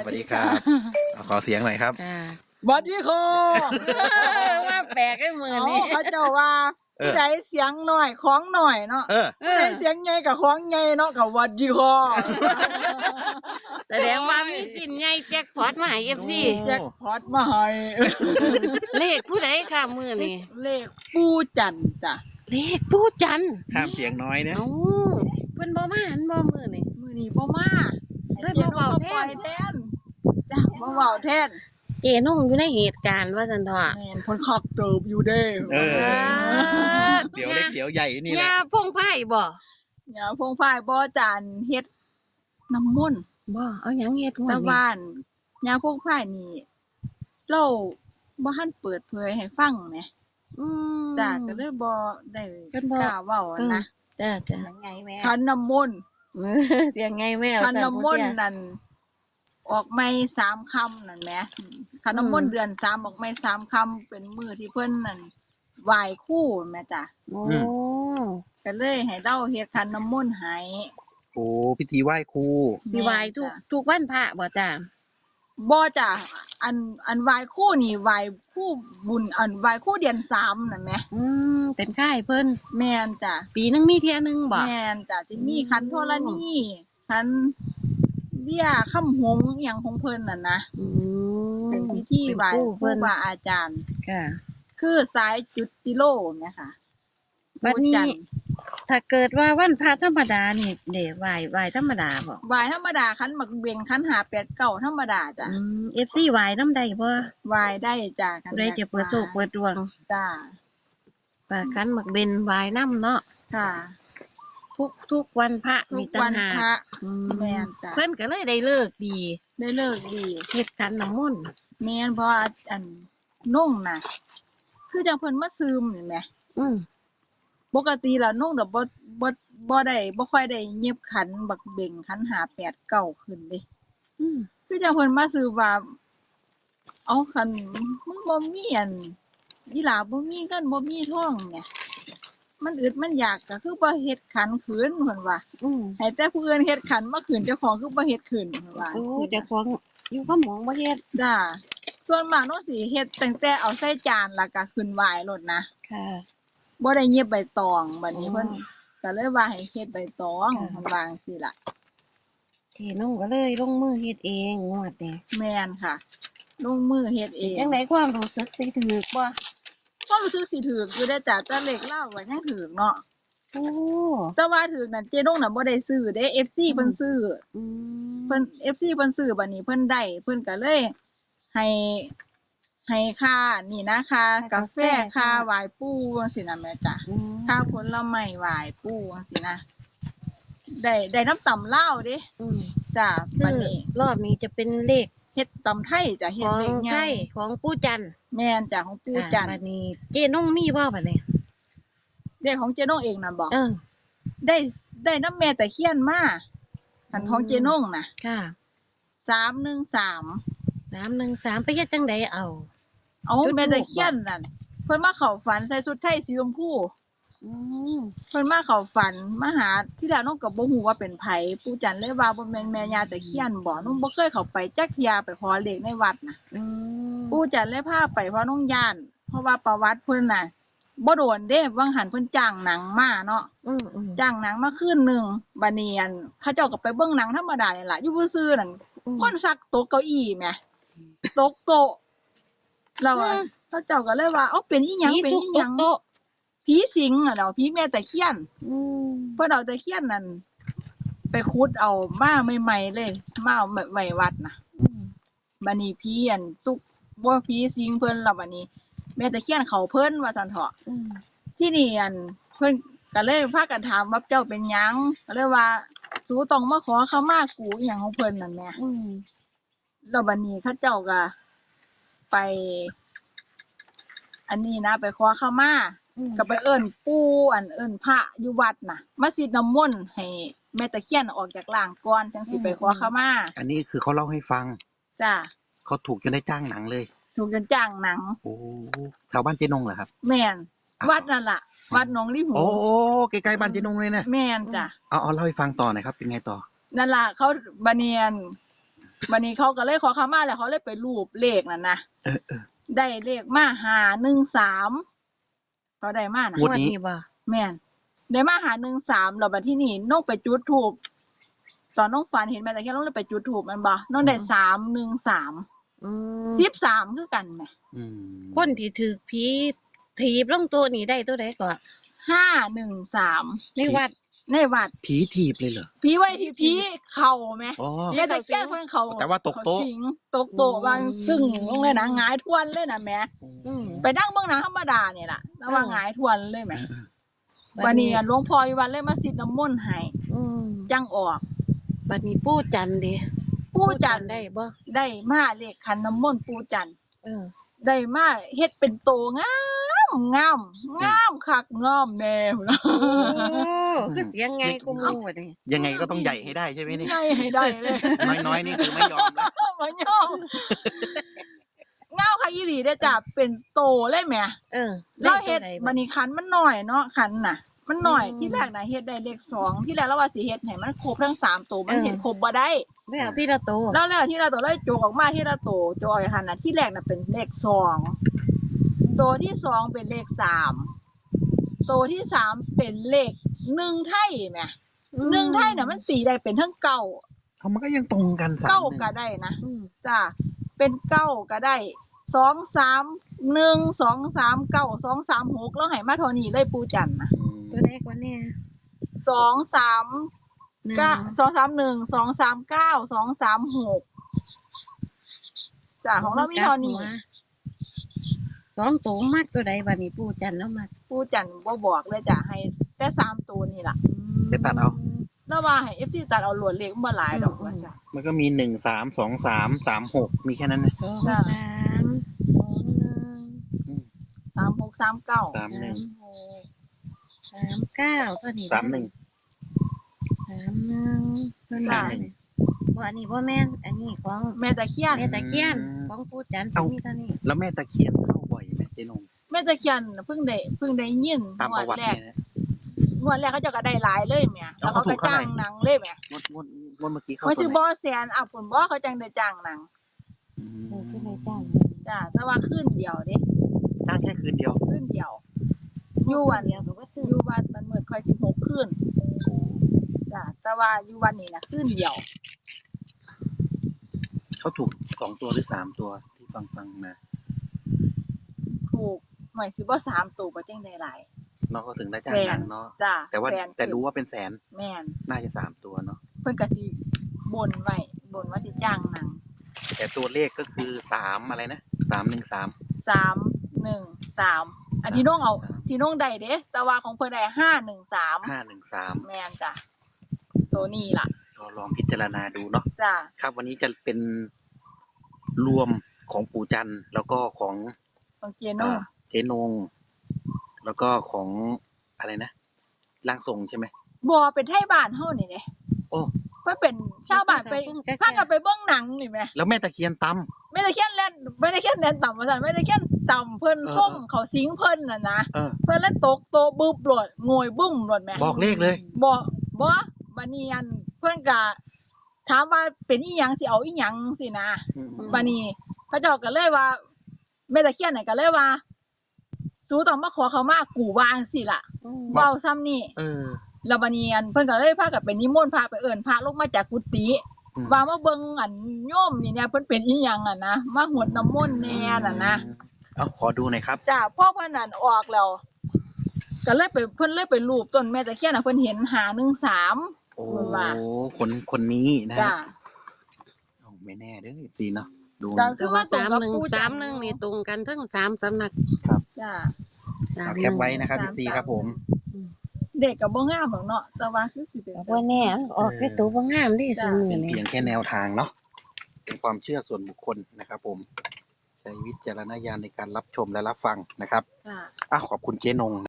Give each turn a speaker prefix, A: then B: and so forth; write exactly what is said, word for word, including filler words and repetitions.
A: วัสดีครับขอเสียงหน่อยครับ
B: สวัสดีค่ะ
C: ว่าแปลกไอ้มือนี่
B: เขาเจ้าว่าผู้ใดเสียงหน่อยของหน่อยเนาะผู้ใดเสียงใหญ่กับของใหญ่เนาะกับสวัสดีค่ะ
C: แสดงว่ามีสินใหญ่แจ็คพอตมาให้ เอฟ ซี
B: แจ็คพอตมาให้
C: เลขผู้ใดค่ะมือนี่
B: เลขปูจันจ้ะ
C: เลขปูจัน
A: ห้ามเสียงน้อยเนี่ย
C: เอ้าเพิ่นบ่มาหันบ่มือนี่
B: มือนี่บ่มา
C: เลยบ่เว้าแทน
B: จ้ะบ่เว้าแทน
C: เจนุ่งอยู่ในเหตุการณ์ว่าซั่นเถาะ
B: แม่นเพิ่นคักเติบอยู่เด้
A: เออเดี๋ยวเล็กเดี๋ยวใหญ่นี่แหละ
C: ยาพงไผ่บ่
B: ยาพงไผ่บ่จานเฮ็ดน้ำมนต์
C: บ่เอาหยังเฮ็ด
B: ตะบ้านยาพงไผ่นี่เราบ่ทันเปิดเผยให้ฟังแหม
C: อืม
B: จ้ะก็เลยบ่ได้กล้าเว้านะ
C: จ้ะจ้ะ
B: ยังไงแม่ขันน้ำมนต์
C: เสียงไงแม่
B: ขันน้ำมนต์นั่นออกไม่สามคำนั่นแหมขันน้ำมนต์เดือนสามออกไม่สามคำเป็นมือที่เพิ่นนั่นไหว้ครูแม่จ้ะ
C: โอ้
B: ก็เลยให้เล่าเฮ็ดขันน้ำมนต์ให้
A: โอ้พิธีไหว้ครู
C: สิไหว้ทุกทุกวันพระบ่จ้ะ
B: บ่จ้ะอันอันไหว้ครูนี่ไหว้ครูบุญอันไหว้ครูเดือนสามนั่นแหม
C: อืมเป็นค่ายเพิ่น
B: แม่นจ้ะ
C: ปีนึงมีเที่ยนึงบ่
B: แม่นจ้ะสิมีขันธรณีขันเบี้ยค่ำหงอิหยังของเพิ่นน่ะนะ
C: อืม
B: เป็นพิธีไหว้ครูบาอาจารย์
C: ค่ะ
B: คือสายจุดติโลเนี่ยค่ะ
C: บัดนี้ถ้าเกิดว่าวันพระธรรมดานี่เด้ไหว้ไหว้ธรรมดาบ่
B: ไหว้ธรรมดาคันหมักเบงคันหาแปดเก้าธรรมดาจ้ะ
C: อืม เอฟ ซี ไหว้นำได้บ่
B: ไหว้ได้จ้ะ
C: คันใดจะเปิดโชคเปิดดวง
B: จ้ะ
C: ปากคันหมักเบนไหว้นำเนาะ
B: ค่ะ
C: ทุกทุกวันพระมี
B: ต่างหากแม่นจ้ะ
C: เพิ่นก็เลยได้เลิกดี
B: ได้เลิกดี
C: เฮ็ดขันน้ำมนต์
B: แม่นเพราะอันนุ่งน่ะคือจังเพิ่นมาซึมนี่แหม
C: อืม
B: ปกติแล้วนุ่งดอกบ่บ่บ่ได้บ่ค่อยได้เย็บขันบักเบ่งขันหาแปดเก้าขึ้นเด้
C: อืม
B: คือจังเพิ่นมาซึมว่าเอาคันมึงบ่มีอันอีหลาบ่มีเงินบ่มีทองเนี่ยมันอึดมันอยากก็คือบ่เฮ็ดขันขืนเพิ่นว่า
C: อือ
B: ให้แต่ผู้อื่นเฮ็ดขันมาขืนเจ้าของคือบ่เฮ็ดขืนเพิ่นว่า
C: โอ้เจ้าของอยู่กับหมองบ่เฮ็ด
B: จ้าส่วนมากเนาะสิเฮ็ดตั้งแต่เอาใส่จานแล้วก็ขึ้นไหว้โลดนะ
C: ค่ะ
B: บ่ได้เย็บใบตองบัดนี้เพิ่นก็เลยว่าให้เฮ็ดใบตองเพิ่นว่าจังซี่ล่ะ
C: ที่น้องก็เลยลงมือเฮ็ดเองงวดนี้
B: แม่นค่ะลงมือเฮ็ดเอง
C: จังได๋ความรู้สึกสิถูกบ่
B: ความรู้สึกสิถูกอยู่ได้จ้ะแต่เลขเลาก็ยังถูกเนาะ
C: โอ้
B: แต่ว่าถูกนั่นเจ๊นงน่ะบ่ได้ซื้อเด้ เอฟ ซี เพิ่นซื้อ
C: อืม
B: เพิ่น เอฟ ซี เพิ่นซื้อบัดนี้เพิ่นได้เพิ่นก็เลยให้ให้ค่านี่นะค่ากาแฟค่าไหว้ปู่จังซี่น่ะแม่จ้ะค่าผลไม้ไหว้ปู่จังซี่นะได้ได้น้ำตำลาวเด้
C: อืม
B: จ้ะบัดนี้
C: รอบนี้จะเป็นเลข
B: เฮ็ดตำไทยจ้ะเฮ็ดเลขใหญ่
C: ของปู่จันทร์
B: แม่นจ้ะของปู่จันทร์
C: บัดนี้เจ๊น้องมีบ่บัดนี้
B: เลขของเจ๊นงเองน่ะบ่
C: เออ
B: ได้ได้น้ำแม่ตะเคียนมาอันของเจ๊นงน่ะ
C: ค่ะ
B: สามหนึ่งสาม
C: สามหนึ่งสามไปเฮ็ดจังไดเอา
B: เอาแม่ตะเคียนนั่นเพิ่นมาเข้าฝันใส่ชุดไทยสีชมพู
C: อืม
B: เพิ่นมาเข้าฝันมาหาที่แรกน้องก็บ่ฮู้ว่าเป็นไผปู่จันเลยว่าบ่แม่นแม่ย่าตะเคียนบ่น้องบ่เคยเข้าไปจักเที่ยไปขอเลขในวัดน่ะ
C: อืม
B: ปู่จันเลยพาไปเพราะน้องย่านเพราะว่าประวัติเพิ่นน่ะบ่โดนเด้วังหันเพิ่นจ้างหนังมาเนาะ
C: อือ
B: จ้างหนังมาคืนนึงบัดนี้อันเขาเจ้าก็ไปเบิ่งหนังธรรมดานี่ล่ะอยู่ซื่อๆนั่นคนซักตกเก้าอี้แหมตกโต๊ะแล้วเขาเจ้าก็เลยว่าเอ้าเป็นอีหยังเป็นอีหยังผีสิงอ่ะเนาะผีแม่ตะเคียน
C: อืม
B: เพิ่นเอาตะเคียนนั่นไปขุดเอามาใหม่ๆเลยมาเอาไว้วัดน่ะ
C: อืม
B: บัดนี้ผีอันตุกบ่ผีสิงเพิ่นแล้วบัดนี้แม่ตะเคียนเขาเพิ่นว่าซั่นเถาะ
C: อืม
B: ที่นี่อันเพิ่นก็เลยพากันถามว่าเจ้าเป็นหยังก็เลยว่าสูต้องมาขอขมากูอีหยังของเพิ่นนั่นแหละ
C: อืม
B: แล้วบัดนี้เขาเจ้าก็ไปอันนี้นะไปขอขมาก็ไปเอิ้นปู่อันเอิ้นพระอยู่วัดน่ะมาสิน้ำมนต์ให้แม่ตะเคียนออกจากร่างก่อนจังสิไปขอขมา
A: อันนี้คือเขาเล่าให้ฟัง
B: จ้ะ
A: เขาถูกจนได้จ้างหนังเลย
B: ถูกจนจ้างหนัง
A: โอ้แถวบ้านเจ๊นงเหรอครับ
B: แม่นวัดนั่นล่ะวัดหนองลิหู
A: โอ้ใกล้ๆบ้านเจ๊นงเลยนะ
B: แม่นจ้ะ
A: เอาเอาเล่าให้ฟังต่อหน่อยครับเป็นไงต่อ
B: นั่นล่ะเขาบัดนี้อันวันนี้เขาก็เลยขอขมาแล้วเขาเลยไปรูปเลขนั่นนะ
A: เออเออ
B: ได้เลขมาหาหนึ่งสามเขาได้มานะ
A: งวดนี้
C: บ่
B: แม่นได้มาหาหนึ่งสามแล้วบัดที่นี่น้องไปจุดถูกตอนน้องฝันเห็นแม่แต่แค่น้องเลยไปจุดถูกมันบ่น้องได้สามหนึ่งสาม
C: อืม
B: สิบสามคือกันไหม
A: อืม
C: คนที่ถือผีถีบลงตัวนี่ได้ตัวใดก่อน
B: ห้าหนึ่งสาม
C: ในวัด
B: ในวัด
A: ผีถีบเลยเหรอ
B: ผีไว้ที่ผีเข่าไหม
A: อ๋อ
B: แม่แต่แค่เพิ่นเขา
A: แต่ว่าตกโต๊ะ
B: เขาสิงตกโต๊ะบางซึ่งลงเลยนะหงายทวนเลยนะแม่
C: อืม
B: ไปนั่งเบื้องหนังธรรมดาเนี่ยแหละแล้วว่าหงายทวนเลยไหม
A: เออ
B: วันนี้หลวงพ่ออยู่วัดเลยมาสิทธิ์น้ำมนต์ให้
C: อืม
B: จังออก
C: บัดนี้ปู่จันทร์เด้
B: ปู่จันทร์
C: ได้บ่
B: ได้มาเลขขันน้ำมนต์ปู่จันทร์
C: เออ
B: ได้มาเฮ็ดเป็นโตงามงามงามคักงามแน่พุ่นล่ะ
C: โอ้คือเสียงไงกูมูบัดนี้
A: ยังไงก็ต้องใหญ่ให้ได้ใช่ไหมนี่
B: ใหญ่ให้ได้เลย
A: น้อยๆนี่คือไม่ยอมแล้ว
B: บ่ยอมงามคักอีหลีเด้อจ้ะเป็นโตเลยแหม
C: เออ
B: เราเฮ็ด
C: ได้ตัวใ
B: บัดนี้คันมันน้อยเนาะคันน่ะ มันน้อย
C: อืม
B: ที่แรกน่ะเฮ็ดได้เลขสองที่แรกเราว่าสิเฮ็ดให้มันครบทั้งสามตัวมัน
C: เออ
B: เฮ็ดครบบ่ได้
C: แล้วที่ละโตว
B: แล้วแล้วที่เราตัวเลยโจกออกมาที่เราโตโจกหันน่ะที่แรกน่ะเป็นเลขสองตัวที่สองเป็นเลขสามตัวที่สามเป็นเลขหนึ่งไทยแหมหนึ่งไทยน่ะมันตีได้เป็นทั้งเก้า
A: เขามันก็ยังตรงกันสาม
B: เก้า
A: หนึ่ง
B: ก็ได้นะ
C: อืม
B: จ้าเป็นเก้าก็ได้สองสามหนึ่งสองสามเก้าสองสามหกแล้วให้มาเท่านี้เลยปูจันทร์นะ
A: อืม
C: ตัวใดกว่าเนี่ย
B: สองสาม
C: หนึ่ง
B: เก้าสองสามหนึ่งสองสามเก้าสองสามหกจ้าของเรามีเท่านี้
C: สองตัวมากตัวใดบัดนี้ปู่จันทร์แล้วมาก
B: ปูจันทร์บ่บอกเลยจ้ะให้แต่สามตัวนี่ล่ะ
A: ไปตัดเอา
B: แล้วว่าให้เอฟซีตัดเอาหลวดเล็กบ่หลายดอกว่าจ้ะ
A: มันก็มีหนึ่งสามสองสามสามหกมีแค่นั้นนะ
C: สอง
B: จ้ะ
C: สามสองหนึ่ง
B: สามหกสามเก้า
A: สามหนึ่ง
C: หกสามเก้าตัวนี้
A: สามหนึ่ง
C: สามหนึ่งตัวนี้
A: สามหนึ่ง
C: บ่อันนี้บ่แม่นอันนี้ของ
B: แม่ตะเคียน
C: แม่ตะเคียน
A: อืม
C: ของปู่จันทร์
A: เอ้า
C: ตัวนี้ตัวนี้
A: แล้วแม่ตะเคียนเข้าบ่อยไหมเจ๊นง
B: แม่ตะเคียนเพิ่งได้เพิ่งได้ยิน
A: ตาม
B: ง
A: ป
B: วด
A: ระวัติ
B: แรก
A: เนี่ยนะ
B: งวดแรกเขาเจะก็ได้หลายเลยแหม่แล้ว
A: เขา
B: เขา
A: ถู
B: ก็
A: กเท่าไหร่
B: จ้างหนังเลยแหม่
A: งวดงวดงวดเมื่อกี้เข้า
B: เขา
A: ตั
B: ซื้
A: ว
B: อ
A: ไหน
B: บ่แสนอ่ะผลบ่เขาจังได้จ้างหนัง
A: อืม
C: โอ้คือในจ้าง
B: จ้ะแต่ว่าคืนเดียวเด้
A: จ้างแค่คืนเดียว
B: คืนเดียวอยู่วัน
C: เดียวก็ว่าซื้อ
B: อยู่วันมันเหมือนค่อยสิบหกคืนจ้ะแต่ว่าอยู่วันนี้นะคืนเดียว
A: เขาถูกสองตัวหรือสามตัวที่ฟังฟังๆมา
B: ถูกหน่อยสิบ่สามตัวบ่จังได้หลาย
A: เนาะเขาถึงได้จ้างหนังเนาะ
B: จ้ะ
A: แต่ว่า
B: สน
A: แต่รู้ว่าเป็นแสน
B: แม่น
A: น่าจะสามตัวเนาะ
B: เพิ่นก็สิบ่นไว้บ่นว่าสิจ้างหนัง
A: แต่ตัวเลขก็คือสามอะไรนะสามหนึ่งสาม
B: สามหนึ่งสามอันที่น้องเอา
A: สาม
B: ที่น้องได้เด้แต่ว่าของเพิ่นได้ห้าหนึ่งสาม
A: ห้าหนึ่งสาม
B: แม่นจ้ะตัวนี้ล่ะ
A: ก็ลองพิจารณาดูเนาะ
B: จ้ะ
A: ครับวันนี้จะเป็นรวมของปู่จันทร์แล้วก็ของ
B: ของเจโน่
A: อ่าเจ๊นง แล้วก็ของอะไรนะร่างทรงใช่ไหม
B: บ่เป็นไทบ้านเฮานี่เด้
A: โอ้
B: เพิ่นเป็นชาวบ้านไปพากันไปเบิ่งหนังนี่แหม
A: แล้วแม่ตะเคียนต
B: แม่ตะเคียนเล่นแม่ตะเคียนเล่นต่ำว่าซั่นแม่ตะเคียนต่ำเพิ่น
A: เออ
B: ส้มเขาสิงเพิ่นน่ะนะ
A: ำเออ
B: เพิ่นเลยตกโตะบึบโลดโงยบึ้มโลดแหม่
A: บอกเลขเลย
B: บ่บ่บัดนี้อันเพิ่นก็ถามว่าเป็นอีหยังสิเอาอีหยังสินะ
A: อืม
B: บัดนี้พระเจ้าก็เลยว่าแม่ตะเคียนน่ะก็เลยว่าสูต้องมาขอเขามากูวาจั่งสิล่ะ
C: อืม
B: เว้าซ้ำนี่
A: เออ
B: แล้วบัดนี้อันเพิ่นก็เลยพากันไปนิมนต์พระไปเอิ้นพระลงมาจากกุฏิ
A: อืม
B: ว่ามาเบิ่งอันโยมนี่เนี่ยเพิ่นเป็นอีหยังอ่ะนะมาหวดน้ำมนต์แน่น่ะนะ
A: เอาขอดูหน่อยครับ
B: จ้าพ่อเพิ่นนั่นออกแล้วก็เลยไปเพิ่นเลยไปรูปต้นแม่ตะเคียนน่ะเพิ่นเห็นหาหนึ่งสาม
A: โอ้
B: ว่า
A: คนคนนี้นะ
B: จ้า
A: เอาไม่แน่เด้อจีเนาะดู
B: จ้ะ
C: แต่ว่าสามหนึ่งสามหนึ่งนี่ตรงกันทั้งสามสำนัก
B: จ้า
C: สาม
A: เอา
C: ห
A: แค
C: นึ่
A: ป
C: ง
A: ไว้นะครับจีครับผม
B: เด็กก็บ่งามหรอกเนาะแต่ว่าคือสิเป็น
C: ว่าแน่ออกแค่ตัวบ่งามเดิสมือ
A: เป็น
C: นี่
A: เพียงแค่แนวทางเนาะเป็นความเชื่อส่วนบุคคลนะครับผมใช้วิจารณญาณในการรับชมและรับฟังนะครับ
B: จ้า
A: อ้าวขอบคุณเจ๊นง